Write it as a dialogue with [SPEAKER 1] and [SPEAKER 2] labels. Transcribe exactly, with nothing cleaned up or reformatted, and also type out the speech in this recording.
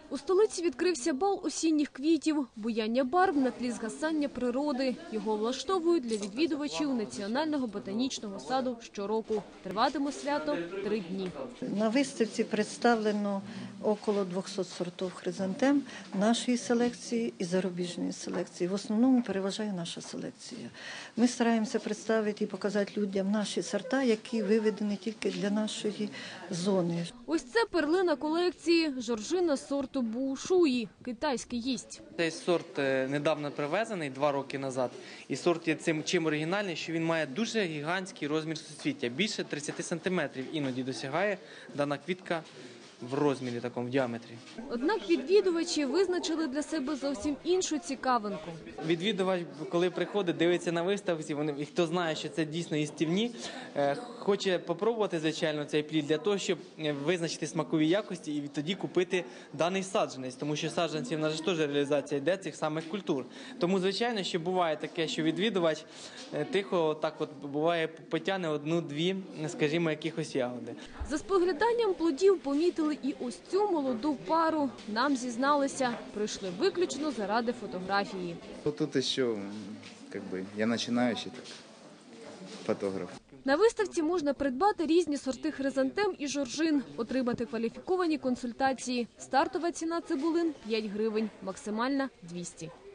[SPEAKER 1] У столиці відкрився бал осінніх квітів, буяння барв на тлі згасання природи. Його влаштовують для відвідувачів Національного ботанічного саду щороку. Триватиме свято три дні.
[SPEAKER 2] На виставці представлено около двохсот сортів хризантем нашої селекції і зарубіжної селекції. В основному переважає наша селекція. Ми стараємося представити і показати людям наші сорта, які виведені тільки для нашої зони.
[SPEAKER 1] Ось це перлина колекції – жоржина сорту Буушуї, китайський гість.
[SPEAKER 3] Цей сорт недавно привезений, два роки назад. І сорт є цим чим оригінальний, що він має дуже гігантський розмір суцвіття. Більше тридцяти сантиметрів іноді досягає дана квітка в розмірі, такому в діаметрі.
[SPEAKER 1] Однак відвідувачі визначили для себе зовсім іншу цікавинку.
[SPEAKER 3] Відвідувач, коли приходить, дивиться на виставці, вони, і хто знає, що це дійсно їстівні, е, хоче попробувати, звичайно, цей плід для того, щоб визначити смакові якості і тоді купити даний саджанець, тому що саджанців, в нас ж теж реалізація йде цих самих культур. Тому, звичайно, що буває таке, що відвідувач е, тихо, так от, буває, потягне одну-дві, скажімо, якихось ягоди.
[SPEAKER 1] За спогляданням плодів помітили і ось цю молоду пару. Нам зізналися, прийшли виключно заради фотографії.
[SPEAKER 4] Тут еще, как бы, я начинающий так, фотограф.
[SPEAKER 1] На виставці можна придбати різні сорти хризантем і жоржин, отримати кваліфіковані консультації. Стартова ціна цибулин – п'ять гривень, максимальна – двісті.